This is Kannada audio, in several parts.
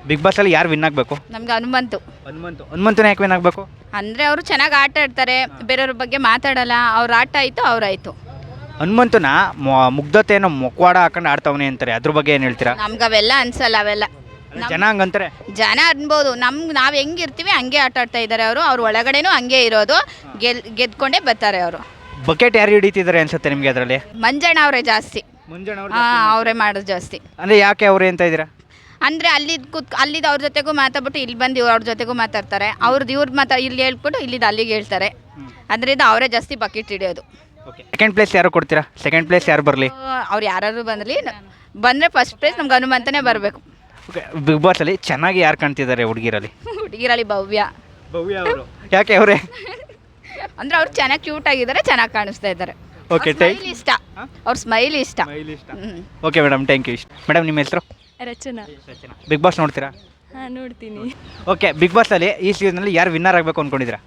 ಬಿಗ್ ಬಾಸ್ ಅಲ್ಲಿ ಯಾರು ವಿನ್ ಆಗಬೇಕು? ನಮ್ಗೆ ಹನುಮಂತು. ಹನುಮಂತನ ಯಾಕೆ ವಿನ್ ಆಗಬೇಕು? ಅಂದರೆ ಅವರು ಚೆನ್ನಾಗಿ ಆಟ ಆಡ್ತಾರೆ, ಬೇರೆಯವ್ರ ಬಗ್ಗೆ ಮಾತಾಡಲ್ಲ, ಅವ್ರ ಆಟ ಆಯಿತು ಅವರಾಯಿತು. ಹನುಮಂತನ ಮುಗ್ಧತೆಯನ್ನು ಮೊಕ್ವಾಡ ಹಾಕೊಂಡು ಆಡ್ತವನೆ ಅಂತಾರೆ, ಅದ್ರ ಬಗ್ಗೆ ಏನು ಹೇಳ್ತೀರಾ? ನಮ್ಗೆ ಅವೆಲ್ಲ ಅನ್ಸಲ್ಲ. ಅವೆಲ್ಲ ಜನ ಹಂಗಂತಾರೆ. ಜನ ಅನ್ಬೋದು, ನಾವು ಹೆಂಗಿರ್ತೀವಿ ಹಂಗೆ ಆಟ ಆಡ್ತಾ ಇದ್ದಾರೆ ಅವರು. ಅವ್ರ ಒಳಗಡೆನೂ ಹಂಗೆ ಇರೋದು, ಗೆದ್ಕೊಂಡೇ ಬರ್ತಾರೆ ಅವರು. ಬಕೆಟ್ ಯಾರು ಹಿಡಿತಿದ್ದಾರೆ ಅನ್ಸುತ್ತೆ ನಿಮಗೆ ಅದರಲ್ಲಿ? ಮಂಜಣ್ಣ ಅವರೇ ಜಾಸ್ತಿ. ಅವರೇ ಮಾಡೋದು ಜಾಸ್ತಿ. ಅಂದರೆ ಯಾಕೆ ಅವ್ರು ಅಂತ ಇದ್ದೀರಾ? ಅಂದರೆ ಅಲ್ಲಿದ್ದು ಅವ್ರ ಜೊತೆಗೂ ಮಾತಾಡ್ಬಿಟ್ಟು ಇಲ್ಲಿ ಬಂದು ಅವ್ರ ಜೊತೆಗೂ ಮಾತಾಡ್ತಾರೆ. ಅವ್ರದ್ದು ಇವ್ರು ಇಲ್ಲಿ ಹೇಳ್ಬಿಟ್ಟು ಇಲ್ಲಿದ್ದು ಅಲ್ಲಿಗೆ ಹೇಳ್ತಾರೆ. ಅದರಿಂದ ಅವರೇ ಜಾಸ್ತಿ ಬಕೆಟ್ ಹಿಡಿಯೋದು. ಸೆಕೆಂಡ್ ಪ್ಲೇಸ್ ಯಾರು ಕೊಡ್ತೀರಾ? ಸೆಕೆಂಡ್ ಪ್ಲೇಸ್ ಯಾರು ಬರಲಿ? ಅವ್ರು ಯಾರು ಬಂದರೆ ಫಸ್ಟ್ ಪ್ಲೇಸ್ ನಮ್ಗೆ ಹನುಮಂತನೇ ಬರಬೇಕು. ಓಕೆ, ಬಿಗ್ ಬಾಸ್ ಅಲ್ಲಿ ಚೆನ್ನಾಗಿ ಯಾರು ಕಾಣ್ತಿದ್ದಾರೆ ಹುಡುಗಿರಲ್ಲಿ? ಹುಡುಗಿರಲ್ಲಿ ಭವ್ಯ ಅವರು. ಯಾಕೆ ಅವರೇ? ಅಂದರೆ ಅವ್ರು ಚೆನ್ನಾಗಿ ಕ್ಯೂಟ್ ಆಗಿದ್ದಾರೆ, ಚೆನ್ನಾಗಿ ಕಾಣಿಸ್ತಾ ಇದ್ದಾರೆ. ಓಕೆ, ಇಷ್ಟ, ಅವ್ರ ಸ್ಮೈಲ್ ಇಷ್ಟ. Okay madam, thank you. Madam, ನಿಮ್ಮ ಹೆಸರು? ರಚನಾ. ಬಿಗ್ ಬಾಸ್ ನೋಡ್ತೀರಾ? ಹಾಂ, ನೋಡ್ತೀನಿ. ಓಕೆ, ಬಿಗ್ ಬಾಸ್ ಅಲ್ಲಿ ಈ ಸೀಸನಲ್ಲಿ ಯಾರು ವಿನ್ನರ್ ಆಗಬೇಕು ಅಂದ್ಕೊಂಡಿದ್ದೀರಾ?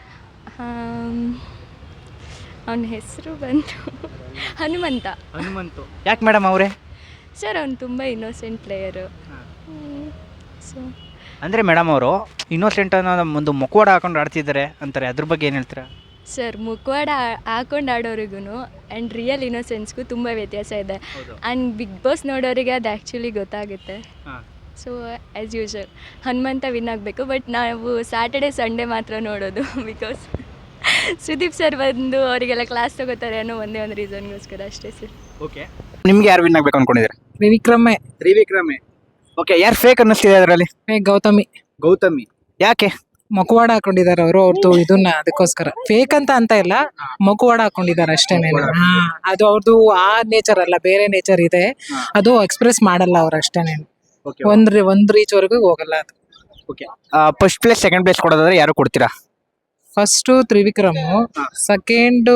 ಅವನ ಹೆಸರು ಬಂತು ಹನುಮಂತ. ಯಾಕೆ ಮೇಡಮ್ ಅವರೇ? ಸರ್, ಅವನು ತುಂಬ ಇನ್ನೋಸೆಂಟ್ ಪ್ಲೇಯರು. ಸೊ ಅಂದರೆ ಮೇಡಮ್ ಅವರು ಇನ್ನೋಸೆಂಟ್ ಅನ್ನೋ ಒಂದು ಮುಖವಾಡ ಹಾಕೊಂಡು ಆಡ್ತಿದ್ದಾರೆ ಅಂತಾರೆ, ಅದ್ರ ಬಗ್ಗೆ ಏನು ಹೇಳ್ತೀರಾ? ಸರ್, ಮುಖವಾಡ ಹಾಕೊಂಡು ಆಡೋರಿಗೂ ಆ್ಯಂಡ್ ರಿಯಲ್ ಇನ್ನೋಸೆನ್ಸ್ಗೂ ತುಂಬ ವ್ಯತ್ಯಾಸ ಇದೆ. ಆ್ಯಂಡ್ ಬಿಗ್ ಬಾಸ್ ನೋಡೋರಿಗೆ ಅದು ಆ್ಯಕ್ಚುಲಿ ಗೊತ್ತಾಗುತ್ತೆ. So as usual Hanumantha win ಆಗಬೇಕು. ಬಟ್ ನಾವು ಸ್ಯಾಟರ್ಡೆ ಸಂಡೇ ಮಾತ್ರ ನೋಡೋದು, ಬಿಕಾಸ್ ಸುದೀಪ್ ಸರ್ ಬಂದು ಅವರಿಗೆಲ್ಲ ಕ್ಲಾಸ್ ತಗೋತಾರೆ ಅನ್ನೋ ಒಂದೇ ಒಂದು ರೀಸನ್ಗೋಸ್ಕರ ಅಷ್ಟೇ ಸರ್. ಓಕೆ, ನಿಮ್ಗೆ ಯಾರು ವಿನ್ ಆಗಬೇಕು ಅಂದ್ಕೊಂಡಿದ್ದೀರಾ? ತ್ರಿವಿಕ್ರಮೇ. ಓಕೆ, ಯಾರು ಫೇಕ್ ಅನ್ನಿಸ್ತಿದೆ ಅದರಲ್ಲಿ? ಗೌತಮಿ. ಯಾಕೆ? ಮುಖವಾಡ ಹಾಕೊಂಡಿದ್ದಾರೆ ಅವರು. ಅವ್ರದ್ದು ಇದನ್ನ ಅದಕ್ಕೋಸ್ಕರ ಫೇಕ್ ಅಂತ ಇಲ್ಲ, ಮುಖವಾಡ ಹಾಕೊಂಡಿದ್ದಾರೆ ಅಷ್ಟೇನೆ. ಅದು ಅವ್ರದ್ದು ಆ ನೇಚರ್ ಅಲ್ಲ, ಬೇರೆ ನೇಚರ್ ಇದೆ. ಅದು ಎಕ್ಸ್ಪ್ರೆಸ್ ಮಾಡಲ್ಲ ಅವ್ರು ಅಷ್ಟೇನೆ. ಒಂದ್ ರೀಚ್ ವರೆಗೂ ಹೋಗಲ್ಲ ಅದು. Okay, first place second place ಕೊಡೋದಾದ್ರೆ ಯಾರು ಕೊಡ್ತೀರಾ? First Trivikram, second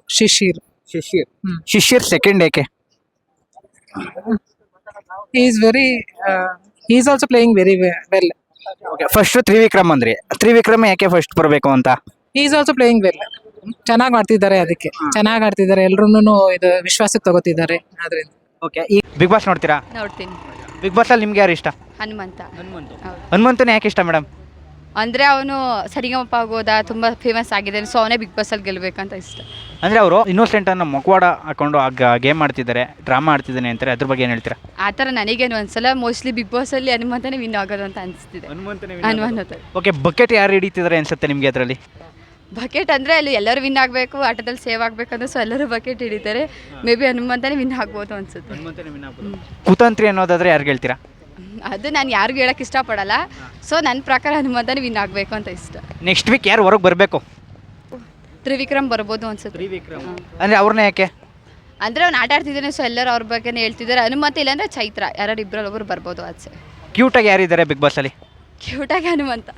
Shishir second ಏಕೆ? Is also playing very well. First Trivikram ಅಂದ್ರೆ ತ್ರಿವಿಕ್ರಮ್ ಯಾಕೆ ಫಸ್ಟ್ ಬರಬೇಕು ಅಂತ? Is also playing well. ಚೆನ್ನಾಗಿ ಆಡ್ತಿದ್ದಾರೆ, ಅದಕ್ಕೆ ಚೆನ್ನಾಗಿ ಆಡ್ತಿದ್ದಾರೆ. ಎಲ್ರೂನು ಇದು ವಿಶ್ವಾಸಕ್ಕೆ ತಗೋತಿದ್ದಾರೆ ಅದರಿಂದ. ಓಕೆ, ಈ ಬಿಗ್ ಬಾಸ್ ನೋಡ್ತೀರಾ? ನೋಡ್ತೀನಿ. ಬಿಗ್ ಬಾಸ್ ಅಲ್ಲಿ ನಿಮ್ಗೆ ಯಾರು ಇಷ್ಟ? ಹನುಮಂತ. ಹನುಮಂತನೇ ಯಾಕೆ ಇಷ್ಟ ಮೇಡಮ್? ಅಂದರೆ ಅವನು ಸರಿಗಮಪ ಆಗೋದ ತುಂಬ ಫೇಮಸ್ ಆಗಿದ್ದಾನೆ. ಸೊ ಅವನೇ ಬಿಗ್ ಬಾಸಲ್ಲಿ ಗೆಲ್ಲಬೇಕಂತ ಇಷ್ಟ. ಅಂದರೆ ಅವರು ಇನ್ನೋಸೆಂಟ್ ಅನ್ನೋ ಮುಖವಾಡ ಹಾಕೊಂಡು ಗೇಮ್ ಆಡ್ತಿದ್ದಾರೆ, ಡ್ರಾಮಾ ಆಡ್ತಿದ್ದಾನೆ ಅಂತಾರೆ, ಅದ್ರ ಬಗ್ಗೆ ಏನು ಹೇಳ್ತೀರಾ? ಆ ಥರ ನನಗೇನು ಅನ್ಸಲ್ಲ. ಮೋಸ್ಟ್ಲಿ ಬಿಗ್ ಬಾಸಲ್ಲಿ ಹನುಮಂತನೇ ವಿನ್ ಆಗೋದು ಅಂತ ಅನಿಸ್ತಿದೆ. ಹನುಮಂತ. ಓಕೆ, ಬಕೆಟ್ ಯಾರು ಹಿಡಿತಿದ್ದಾರೆ ಅನ್ಸುತ್ತೆ ನಿಮಗೆ ಅದರಲ್ಲಿ? ಬಕೆಟ್ ಅಂದರೆ ಅಲ್ಲಿ ಎಲ್ಲರೂ ವಿನ್ ಆಗಬೇಕು, ಆಟದಲ್ಲಿ ಸೇವ್ ಆಗಬೇಕಂದ್ರೆ ಸೊ ಎಲ್ಲರೂ ಬಕೆಟ್ ಹಿಡಿತಾರೆ. ಮೇ ಬಿ ಹನುಮಂತನೇ ವಿನ್ ಆಗ್ಬೋದು ಅನ್ಸುತ್ತೆ. ಕುತಂತ್ರಿ ಅನ್ನೋದಾದ್ರೆ ಯಾರು ಹೇಳ್ತೀರಾ? ಅದು ನಾನು ಯಾರಿಗೂ ಹೇಳಕ್ಕೆ ಇಷ್ಟಪಡಲ್ಲ. ಸೊ ನನ್ನ ಪ್ರಕಾರ ಹನುಮಂತನೇ ವಿನ್ ಆಗಬೇಕು ಅಂತ ಇಷ್ಟ. ನೆಕ್ಸ್ಟ್ ವೀಕ್ ಯಾರು ಹೊರಗೆ ಬರಬೇಕು? ತ್ರಿವಿಕ್ರಮ್ ಬರ್ಬೋದು ಅನ್ಸುತ್ತೆ. ಅಂದರೆ ಅವ್ರನ್ನ ಯಾಕೆ? ಅಂದರೆ ಅವ್ನು ಆಟ ಆಡ್ತಿದ್ದಾನೆ, ಸೊ ಎಲ್ಲರೂ ಅವ್ರ ಬಗ್ಗೆನೇ ಹೇಳ್ತಿದ್ದಾರೆ. ಹನುಮಂತ ಇಲ್ಲಾಂದರೆ ಚೈತ್ರ, ಯಾರು ಇಬ್ಬರಲ್ಲಿ ಒಬ್ಬರು ಬರ್ಬೋದು ಆಚೆ. ಕ್ಯೂಟಾಗಿ ಯಾರಿದ್ದಾರೆ ಬಿಗ್ ಬಾಸಲ್ಲಿ? ಕ್ಯೂಟಾಗಿ ಹನುಮಂತ.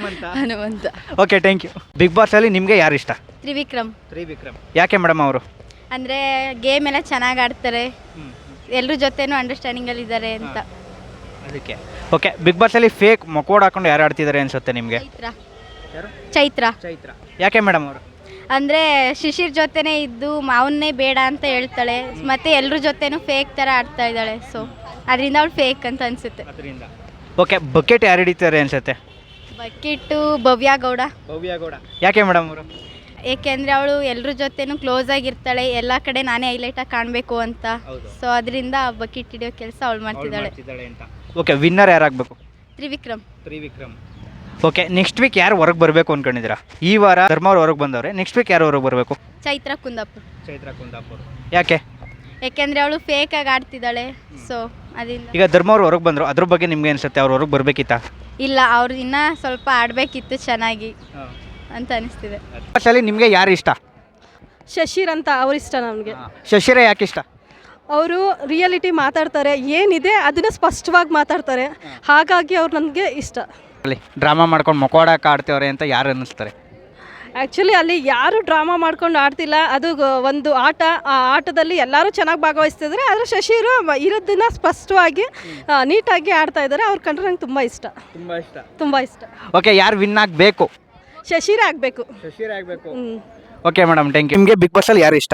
Okay, thank you. Bigg Boss ಅಲ್ಲಿ ನಿಮಗೆ ಯಾರು ಇಷ್ಟ? ತ್ರಿವಿಕ್ರಮ್. ಯಾಕೆ ಮೇಡಮ್ ಅವರು? ಅಂದರೆ ಗೇಮ್ ಎಲ್ಲ ಚೆನ್ನಾಗಿ ಆಡ್ತಾರೆ, ಎಲ್ಲರ ಜೊತೆನೂ ಅಂಡರ್ಸ್ಟ್ಯಾಂಡಿಂಗಲ್ಲಿ ಇದ್ದಾರೆ ಅಂತ. ಅದಕ್ಕೆ. ಓಕೆ, ಬಿಗ್ ಬಾಸ್ ಅಲ್ಲಿ ಫೇಕ್ ಮೊಕೋಡ್ ಹಾಕೊಂಡು ಯಾರು ಆಡ್ತಿದ್ದಾರೆ ಅನ್ಸುತ್ತೆ ನಿಮಗೆ? ಚೈತ್ರ. ಯಾಕೆ ಮೇಡಮ್ ಅವರು? ಅಂದರೆ ಶಿಶಿರ್ ಜೊತೆನೇ ಇದ್ದು ಅವನ್ನೇ ಬೇಡ ಅಂತ ಹೇಳ್ತಾಳೆ, ಮತ್ತೆ ಎಲ್ಲರ ಜೊತೆನೂ ಫೇಕ್ ಥರ ಆಡ್ತಾ ಇದ್ದಾಳೆ. ಸೊ ಅದರಿಂದ ಅವಳು ಫೇಕ್ ಅಂತ ಅನಿಸುತ್ತೆ. ಓಕೆ, ಬಕೆಟ್ ಯಾರು ಹಿಡಿತಾರೆ ಅನ್ಸುತ್ತೆ? ಬಕೆಟು ಭವ್ಯ ಗೌಡ. ಯಾಕೆ ಮೇಡಮ್ ಅವರು? ಏಕೆಂದರೆ ಅವಳು ಎಲ್ಲರ ಜೊತೆನೂ ಕ್ಲೋಸ್ ಆಗಿರ್ತಾಳೆ, ಎಲ್ಲ ಕಡೆ ನಾನೇ ಹೈಲೈಟಾಗಿ ಕಾಣಬೇಕು ಅಂತ. ಸೊ ಅದರಿಂದ ಬಕೆಟ್ ಹಿಡಿಯೋ ಕೆಲಸ ಅವಳು ಮಾಡ್ತಿದ್ದಾಳೆ. ಓಕೆ, ವಿನ್ನರ್ ಯಾರಾಗಬೇಕು? ತ್ರಿವಿಕ್ರಮ್. ಓಕೆ, ನೆಕ್ಸ್ಟ್ ವೀಕ್ ಯಾರು ಹೊರಗೆ ಬರಬೇಕು ಅನ್ಕೊಂಡಿದ್ದೀರಾ? ಈ ವಾರ ಧರ್ಮ ಅವ್ರು ಹೊರಗೆ ಬಂದವ್ರೆ, ನೆಕ್ಸ್ಟ್ ವೀಕ್ ಯಾರು ಹೊರಗೆ ಬರಬೇಕು? ಚೈತ್ರ ಕುಂದಾಪುರ್. ಯಾಕೆ? ಯಾಕೆಂದರೆ ಅವಳು ಫೇಕಾಗಿ ಆಡ್ತಿದ್ದಾಳೆ. ಸೊ ಅದರಿಂದ. ಈಗ ಧರ್ಮ ಅವ್ರು ಹೊರಗೆ ಬಂದರು, ಅದ್ರ ಬಗ್ಗೆ ನಿಮ್ಗೆ ಅನ್ಸುತ್ತೆ ಅವ್ರು ಹೊರಗೆ ಬರಬೇಕಿತ್ತಾ? ಇಲ್ಲ, ಅವ್ರು ಇನ್ನೂ ಸ್ವಲ್ಪ ಆಡಬೇಕಿತ್ತು ಚೆನ್ನಾಗಿ ಅಂತ ಅನಿಸ್ತಿದೆ. ನಿಮಗೆ ಯಾರು ಇಷ್ಟ? ಶಶಿರ್ ಅಂತ ಅವ್ರು ಇಷ್ಟ ನಮಗೆ. ಶಶಿರ ಯಾಕೆ ಇಷ್ಟ? ಅವರು ರಿಯಾಲಿಟಿ ಮಾತಾಡ್ತಾರೆ, ಏನಿದೆ ಅದನ್ನ ಸ್ಪಷ್ಟವಾಗಿ ಮಾತಾಡ್ತಾರೆ, ಹಾಗಾಗಿ ಅವ್ರು ನನಗೆ ಇಷ್ಟ. ಡ್ರಾಮಾ ಮಾಡ್ಕೊಂಡು ಮೊಕೋಡಕ್ಕೆ ಆಡ್ತೇವ್ರೆ ಅಂತ ಯಾರು ಅನ್ನಿಸ್ತಾರೆ? ಆ್ಯಕ್ಚುಲಿ ಅಲ್ಲಿ ಯಾರು ಡ್ರಾಮಾ ಮಾಡ್ಕೊಂಡು ಆಡ್ತಿಲ್ಲ, ಅದು ಒಂದು ಆಟ. ಆ ಆಟದಲ್ಲಿ ಎಲ್ಲರೂ ಚೆನ್ನಾಗಿ ಭಾಗವಹಿಸ್ತಿದ್ದಾರೆ. ಆದರೆ ಶಶಿರು ಇರೋದನ್ನ ಸ್ಪಷ್ಟವಾಗಿ ನೀಟಾಗಿ ಆಡ್ತಾ ಇದ್ದಾರೆ. ಅವ್ರು ಕಂಡ್ರೆ ನಂಗೆ ತುಂಬ ಇಷ್ಟ. ಓಕೆ, ಯಾರು ವಿನ್ ಆಗಬೇಕು? ಶಶಿರೇ ಆಗಬೇಕು. Okay madam, thank you. ನಿಮಗೆ ಬಿಗ್ ಬಾಸ್ ಅಲ್ಲಿ ಯಾರು ಇಷ್ಟ?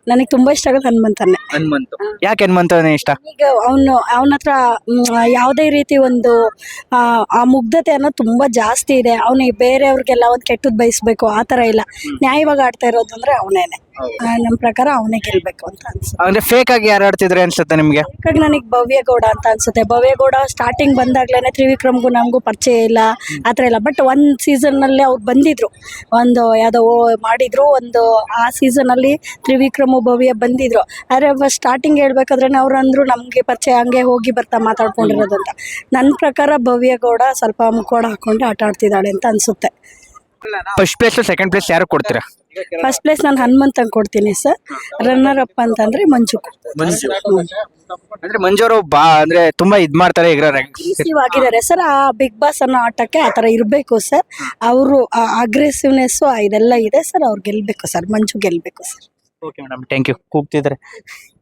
ನನಗೆ ತುಂಬ ಇಷ್ಟ ಆಗೋದು ಹನುಮಂತನ್ನೇ. ಹನುಮಂತು. ಯಾಕೆ ಹನುಮಂತನೇ ಇಷ್ಟ? ಈಗ ಅವನ ಹತ್ರ ಯಾವುದೇ ರೀತಿ ಒಂದು ಆ ಮುಗ್ಧತೆ ಅನ್ನೋದು ತುಂಬ ಜಾಸ್ತಿ ಇದೆ. ಅವನಿಗೆ ಬೇರೆಯವ್ರಿಗೆಲ್ಲ ಒಂದು ಕೆಟ್ಟದ್ದು ಬಯಸ್ಬೇಕು ಆ ಥರ ಇಲ್ಲ, ನ್ಯಾಯವಾಗಿ ಆಡ್ತಾ ಇರೋದು ಅಂದರೆ ಅವನೇನೆ. ನಮ್ಮ ಪ್ರಕಾರ ಅವನೇ ಗೆಲ್ಬೇಕು ಅಂತ ಅನ್ಸುತ್ತೆ. ಅಂದ್ರೆ ಫೇಕ್ ಆಗಿ ಯಾರು ಆಡ್ತಿದ್ರೆ ಅನ್ಸುತ್ತೆ ನಿಮ್ಗೆ? ಹಾಗಾಗಿ ನನಗೆ ಭವ್ಯಗೌಡ ಅಂತ ಅನ್ಸುತ್ತೆ. ಭವ್ಯಗೌಡ ಸ್ಟಾರ್ಟಿಂಗ್ ಬಂದಾಗ್ಲೇ ತ್ರಿವಿಕ್ರಮ್ಗೂ ನಮಗೂ ಪರಿಚಯ ಇಲ್ಲ ಆ ಥರ ಇಲ್ಲ. ಬಟ್ ಒಂದು ಸೀಸನ್ನಲ್ಲಿ ಅವ್ರು ಬಂದಿದ್ರು, ಒಂದು ಯಾವುದೋ ಮಾಡಿದ್ರು, ಒಂದು ಆ ಸೀಸನಲ್ಲಿ ತ್ರಿವಿಕ್ರಮು ಭವ್ಯ ಬಂದಿದ್ರು. ಆದರೆ ಸ್ಟಾರ್ಟಿಂಗ್ ಹೇಳ್ಬೇಕಾದ್ರೆ ಅವ್ರು ಅಂದರು ನಮಗೆ ಪರಿಚಯ, ಹಂಗೆ ಹೋಗಿ ಬರ್ತಾ ಮಾತಾಡ್ಕೊಂಡಿರೋದು ಅಂತ. ನನ್ನ ಪ್ರಕಾರ ಭವ್ಯಗೌಡ ಸ್ವಲ್ಪ ಮುಖವಾಡ ಹಾಕೊಂಡು ಆಟ ಆಡ್ತಿದ್ದಾಳೆ ಅಂತ ಅನ್ಸುತ್ತೆ. ಫಸ್ಟ್ ಪ್ಲೇಸ್ ಸೆಕೆಂಡ್ ಪ್ಲೇಸ್ ಯಾರು ಕೊಡ್ತೀರಾ? ಫಸ್ಟ್ ಪ್ಲೇಸ್ ನಾನು ಹನುಮಂತಂಗೆ ಕೊಡ್ತೀನಿ ಸರ್. ರನ್ನರ್ ಅಪ್ ಅಂತಂದ್ರೆ ಮಂಜು. ಅಂದ್ರೆ ಮಂಜು ಅವರು ಅಂದ್ರೆ ತುಂಬಾ ಇದ್ ಮಾಡ್ತಾರೆ ಈಗ ಅಗ್ರೆಸಿವ್ ಆಗಿದ್ದಾರೆ ಸರ್. ಆ ಬಿಗ್ ಬಾಸ್ ಅನ್ನೋ ಆಟಕ್ಕೆ ಆ ಥರ ಇರಬೇಕು ಸರ್. ಅವರು ಅಗ್ರೆಸಿವ್ನೆಸ್ಸು ಇದೆಲ್ಲ ಇದೆ ಸರ್. ಅವ್ರು ಗೆಲ್ಬೇಕು ಸರ್, ಮಂಜು ಗೆಲ್ಬೇಕು sir. Okay madam, thank you. ಕೂಗ್ತಿದ್ರೆ